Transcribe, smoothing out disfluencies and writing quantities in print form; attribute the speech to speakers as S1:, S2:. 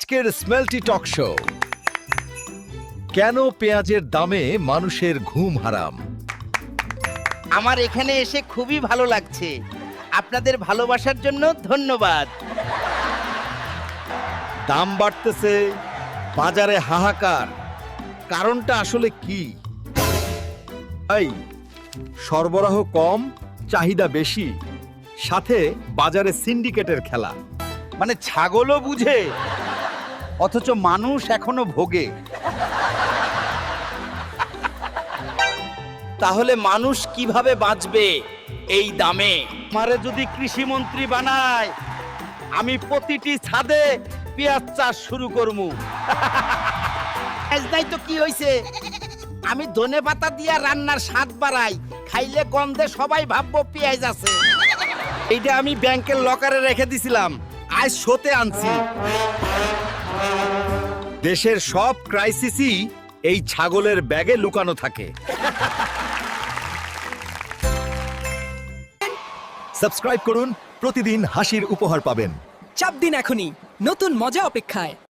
S1: আজকের স্মেলটি talk show. কেন পেঁয়াজের দামে মানুষের ঘুম হারাম?
S2: আমার এখানে এসে খুবই ভালো লাগছে। আপনাদের ভালোবাসার জন্য ধন্যবাদ।
S1: দাম বাড়তেছে, বাজারে হাহাকার, কারণটা আসলে কি? এই সরবরাহ কম, চাহিদা বেশি, সাথে বাজারে সিন্ডিকেটের খেলা।
S2: মানে ছাগলও বুঝে, অথচ মানুষ এখনো ভোগে। তাহলে মানুষ কিভাবে বাঁচবে এই দামে? আমারে যদি কৃষিমন্ত্রী বানায়, আমি প্রতিটি ছাদে পেঁয়াজ চাষ শুরু করবো। নাই তো কি হইছে, আমি ধনেপাতা দিয়া রান্নার স্বাদ বাড়াই, খাইলে গন্ধে সবাই ভাববো পেঁয়াজ আছে। এইটা আমি ব্যাংকের লকারে রেখে দিছিলাম, আজ শোতে আনছি।
S1: দেশের সব ক্রাইসিসই এই ছাগলের ব্যাগে লুকানো থাকে। সাবস্ক্রাইব করুন, প্রতিদিন হাসির উপহার পাবেন।
S3: চাপ দিন এখনই, নতুন মজা অপেক্ষায়।